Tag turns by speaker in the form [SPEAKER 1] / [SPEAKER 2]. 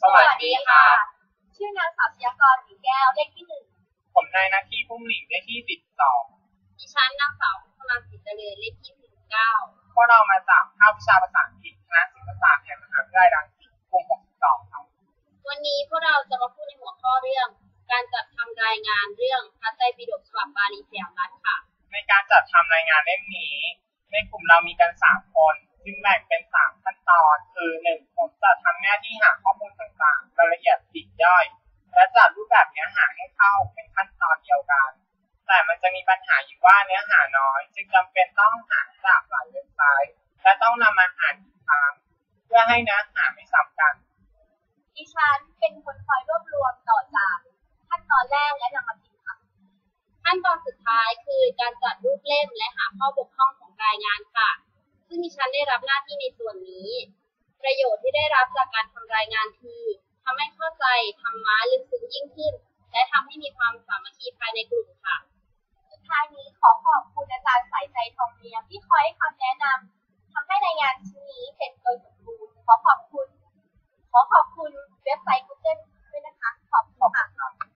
[SPEAKER 1] วัสดีค่ะชื่อนางสาวชยากรศรีแก้วเลขที่1
[SPEAKER 2] ผมนายนาทีพุ่มหลิงเลขที่12
[SPEAKER 1] ดิฉันนางสาวพัฒนาศรีเจริญเลขที่19
[SPEAKER 2] พวกเรามาจากภาควิชาภาษาอังกฤษคณะศิลปศาสตร์แห่งมหาวิทยาลัยรังสิตกลุ่ม62ครับ
[SPEAKER 1] วันนี้พวกเราจะมาพูดในหัวข้อเรื่องการจัดทำรายงานเรื่องพระไตรปิฎกฉบับบาลีสยามรัฐค่ะ
[SPEAKER 2] ในการจัดทำรายงานเล่มนี้ในกลุ่มเรามีกัน3คนซึ่งแบ่งเป็น3ขั้นตอนคือ1ผมจะทำหน้าที่หาข้อมูลต่างๆรายละเอียดปลีกย่อยและจัดรูปแบบเนื้อหาให้เข้าเป็นขั้นตอนเดียวกันแต่มันจะมีปัญหาอยู่ว่าเนื้อหาน้อยจึงจำเป็นต้องหาจากหลายเว็บไซต์และต้องนำมาอ่านอีกครั้งเพื่อให้เนื้อหาไม่ซ้ำกัน
[SPEAKER 1] ดิฉันเป็นคนคอยรวบรวมต่อจากขั้นตอนแรกและนำมาพิมพ์ค่ะขั้นตอนสุดท้ายคือการจัดรูปเล่มและหาข้อบกพร่องของรายงานค่ะซึ่งดิฉันได้รับหน้าที่ในส่วนนี้ประโยชน์ที่ได้รับจากการทำรายงานคือทำให้เข้าใจธรรมะลึกซึ้งยิ่งขึ้นและทำให้มีความสามัคคีภายในกลุ่มค่ะสุดท้ายนี้ขอขอบคุณ